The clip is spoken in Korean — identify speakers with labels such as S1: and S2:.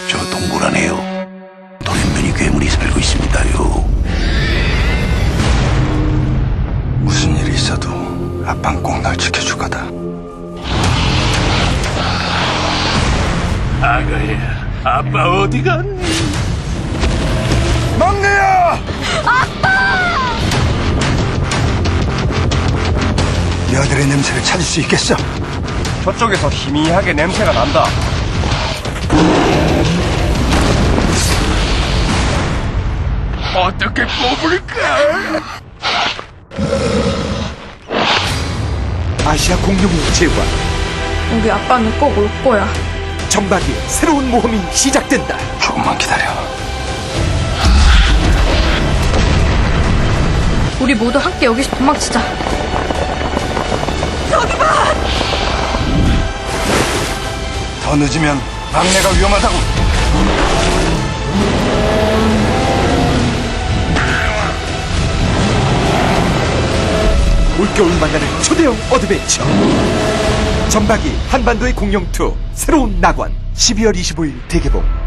S1: 저 동굴 안에요. 돌연변이 괴물이 살고 있습니다요.
S2: 무슨 일이 있어도 아빠는 꼭 날 지켜줄 거다.
S3: 아가야, 아빠 어디 갔니?
S2: 막내야! 여들의 냄새를 찾을 수 있겠어?
S4: 저쪽에서 희미하게 냄새가 난다.
S3: 어떻게 뽑을까?
S5: 아시아 공룡의 제왕
S6: 우리 아빠는 꼭 올 거야.
S5: 정박이의 새로운 모험이 시작된다.
S2: 조금만 기다려.
S6: 우리 모두 함께 여기서 도망치자.
S2: 더 늦으면 막내가 위험하다고.
S5: 올겨울 만나는 초대형 어드벤처 정박이 한반도의 공룡2 새로운 낙원 12월 25일 대개봉.